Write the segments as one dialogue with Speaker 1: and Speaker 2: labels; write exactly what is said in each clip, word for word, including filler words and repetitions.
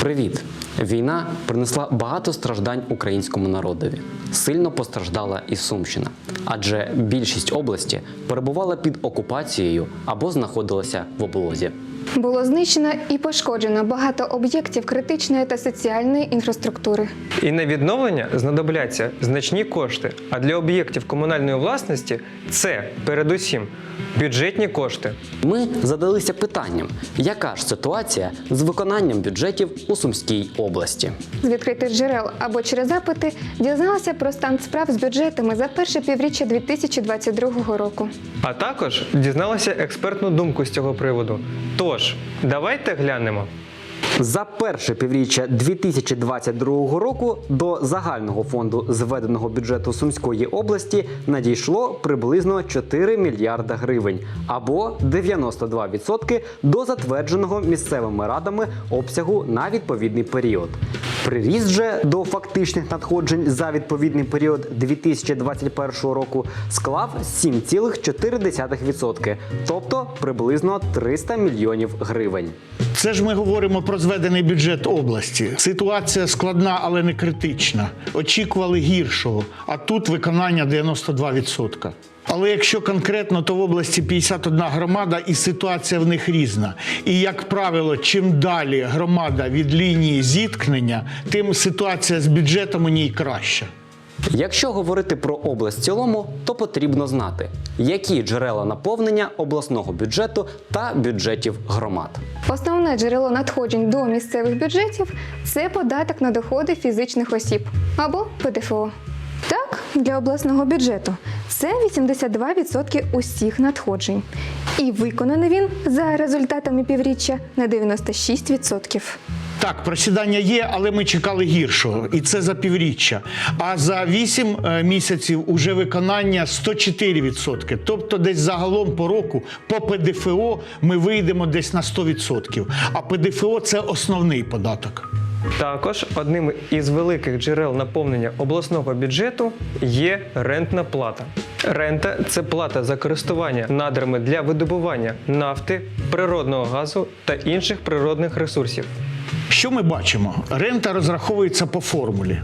Speaker 1: Привіт! Війна принесла багато страждань українському народові. Сильно постраждала і Сумщина, адже більшість області перебувала під окупацією або знаходилася в облозі.
Speaker 2: Було знищено і пошкоджено багато об'єктів критичної та соціальної інфраструктури.
Speaker 3: І на відновлення знадобляться значні кошти, а для об'єктів комунальної власності це, передусім, бюджетні кошти.
Speaker 1: Ми задалися питанням, яка ж ситуація з виконанням бюджетів у Сумській області.
Speaker 2: З відкритих джерел або через запити дізналися про стан справ з бюджетами за перше півріччя дві тисячі двадцять другого року.
Speaker 3: А також дізналися експертну думку з цього приводу. Тож, давайте глянемо.
Speaker 1: За перше півріччя дві тисячі двадцять другого року до загального фонду зведеного бюджету Сумської області надійшло приблизно чотири мільярда гривень, або дев'яносто два відсотки до затвердженого місцевими радами обсягу на відповідний період. Приріст же до фактичних надходжень за відповідний період дві тисячі двадцять першого року склав сім цілих чотири десятих відсотка, тобто приблизно триста мільйонів гривень.
Speaker 4: Це ж ми говоримо про зведений бюджет області. Ситуація складна, але не критична. Очікували гіршого, а тут виконання дев'яносто два відсотки. Але якщо конкретно, то в області п'ятдесят одна громада і ситуація в них різна. І, як правило, чим далі громада від лінії зіткнення, тим ситуація з бюджетом у ній краща.
Speaker 1: Якщо говорити про область в цілому, то потрібно знати, які джерела наповнення обласного бюджету та бюджетів громад.
Speaker 2: Основне джерело надходжень до місцевих бюджетів – це податок на доходи фізичних осіб або Пе Де Фе О. Так, для обласного бюджету це вісімдесят два відсотки усіх надходжень. І виконаний він за результатами півріччя на дев'яносто шість відсотків.
Speaker 4: Так, просідання є, але ми чекали гіршого, і це за півріччя. А за вісім місяців уже виконання сто чотири відсотки. Тобто десь загалом по року по Пе Де Фе О ми вийдемо десь на сто відсотків. А Пе Де Фе О – це основний податок.
Speaker 3: Також одним із великих джерел наповнення обласного бюджету є рентна плата. Рента – це плата за користування надрами для видобування нафти, природного газу та інших природних ресурсів.
Speaker 4: Що ми бачимо? Рента розраховується по формулі.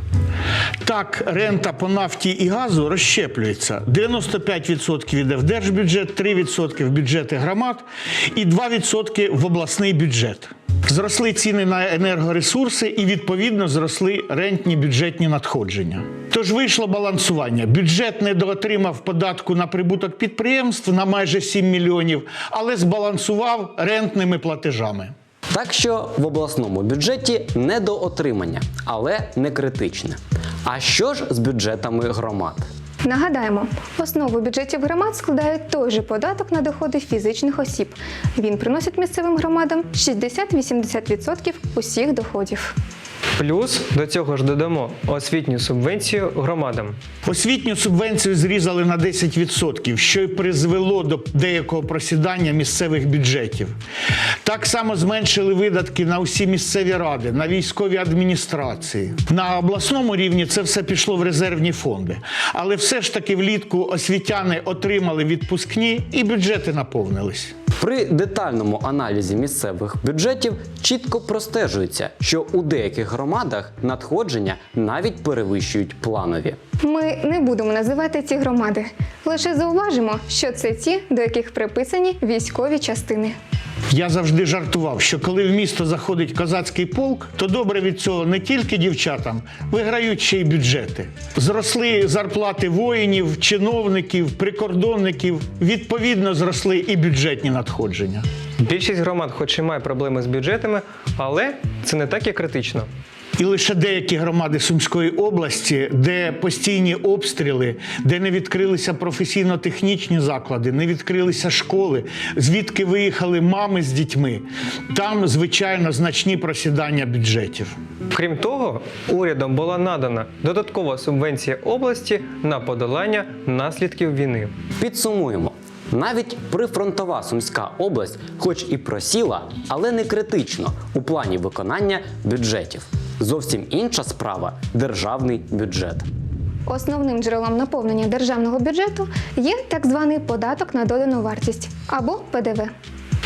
Speaker 4: Так, рента по нафті і газу розщеплюється. дев'яносто п'ять відсотків йде в держбюджет, три відсотки в бюджети громад і два відсотки в обласний бюджет. Зросли ціни на енергоресурси і, відповідно, зросли рентні бюджетні надходження. Тож вийшло балансування. Бюджет недоотримав податку на прибуток підприємств на майже сім мільйонів, але збалансував рентними платежами.
Speaker 1: Так що в обласному бюджеті недоотримання, але не критичне. А що ж з бюджетами громад?
Speaker 2: Нагадаємо, основу бюджетів громад складає той же податок на доходи фізичних осіб. Він приносить місцевим громадам шістдесят-вісімдесят відсотків усіх доходів.
Speaker 3: Плюс до цього ж додамо освітню субвенцію громадам.
Speaker 4: Освітню субвенцію зрізали на десять відсотків, що й призвело до деякого просідання місцевих бюджетів. Так само зменшили видатки на усі місцеві ради, на військові адміністрації. На обласному рівні це все пішло в резервні фонди. Але все ж таки влітку освітяни отримали відпускні і бюджети наповнились.
Speaker 1: При детальному аналізі місцевих бюджетів чітко простежується, що у деяких громадах надходження навіть перевищують планові.
Speaker 2: Ми не будемо називати ці громади, лише зауважимо, що це ті, до яких приписані військові частини.
Speaker 4: Я завжди жартував, що коли в місто заходить козацький полк, то добре від цього не тільки дівчатам, виграють ще й бюджети. Зросли зарплати воїнів, чиновників, прикордонників, відповідно зросли і бюджетні надходження.
Speaker 3: Більшість громад хоч і має проблеми з бюджетами, але це не так і критично.
Speaker 4: І лише деякі громади Сумської області, де постійні обстріли, де не відкрилися професійно-технічні заклади, не відкрилися школи, звідки виїхали мами з дітьми, там, звичайно, значні просідання бюджетів.
Speaker 3: Крім того, урядом була надана додаткова субвенція області на подолання наслідків війни.
Speaker 1: Підсумуємо. Навіть прифронтова Сумська область хоч і просіла, але не критично у плані виконання бюджетів. Зовсім інша справа – державний бюджет.
Speaker 2: Основним джерелом наповнення державного бюджету є так званий податок на додану вартість або Пе Де Ве.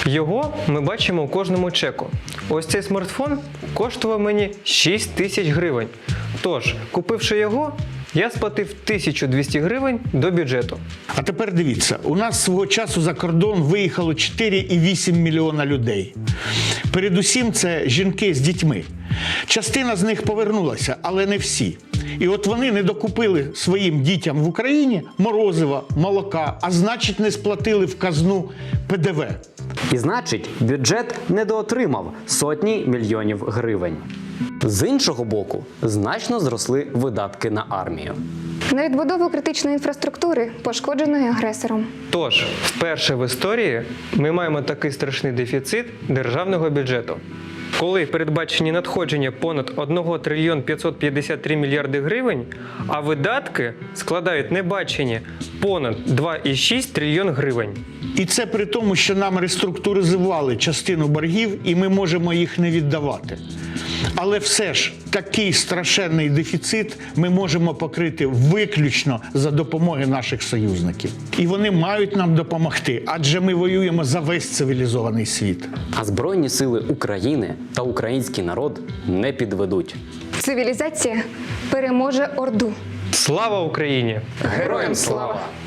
Speaker 3: Його ми бачимо у кожному чеку. Ось цей смартфон коштував мені шість тисяч гривень. Тож, купивши його, я сплатив тисячу двісті гривень до бюджету.
Speaker 4: А тепер дивіться, у нас свого часу за кордон виїхало чотири цілих вісім мільйона людей. Передусім це жінки з дітьми. Частина з них повернулася, але не всі. І от вони не докупили своїм дітям в Україні морозива, молока, а значить не сплатили в казну пе де ве.
Speaker 1: І значить, бюджет недоотримав сотні мільйонів гривень. З іншого боку, значно зросли видатки на армію.
Speaker 2: На відбудову критичної інфраструктури, пошкодженої агресором.
Speaker 3: Тож, вперше в історії ми маємо такий страшний дефіцит державного бюджету. Коли передбачені надходження понад один трильйон п'ятсот п'ятдесят три мільярди гривень, а видатки складають небачені понад два цілих шість трильйон гривень.
Speaker 4: І це при тому, що нам реструктуризували частину боргів, і ми можемо їх не віддавати. Але все ж такий страшенний дефіцит ми можемо покрити виключно за допомоги наших союзників. І вони мають нам допомогти, адже ми воюємо за весь цивілізований світ.
Speaker 1: А Збройні сили України та український народ не підведуть.
Speaker 2: Цивілізація переможе Орду.
Speaker 3: Слава Україні!
Speaker 1: Героям слава!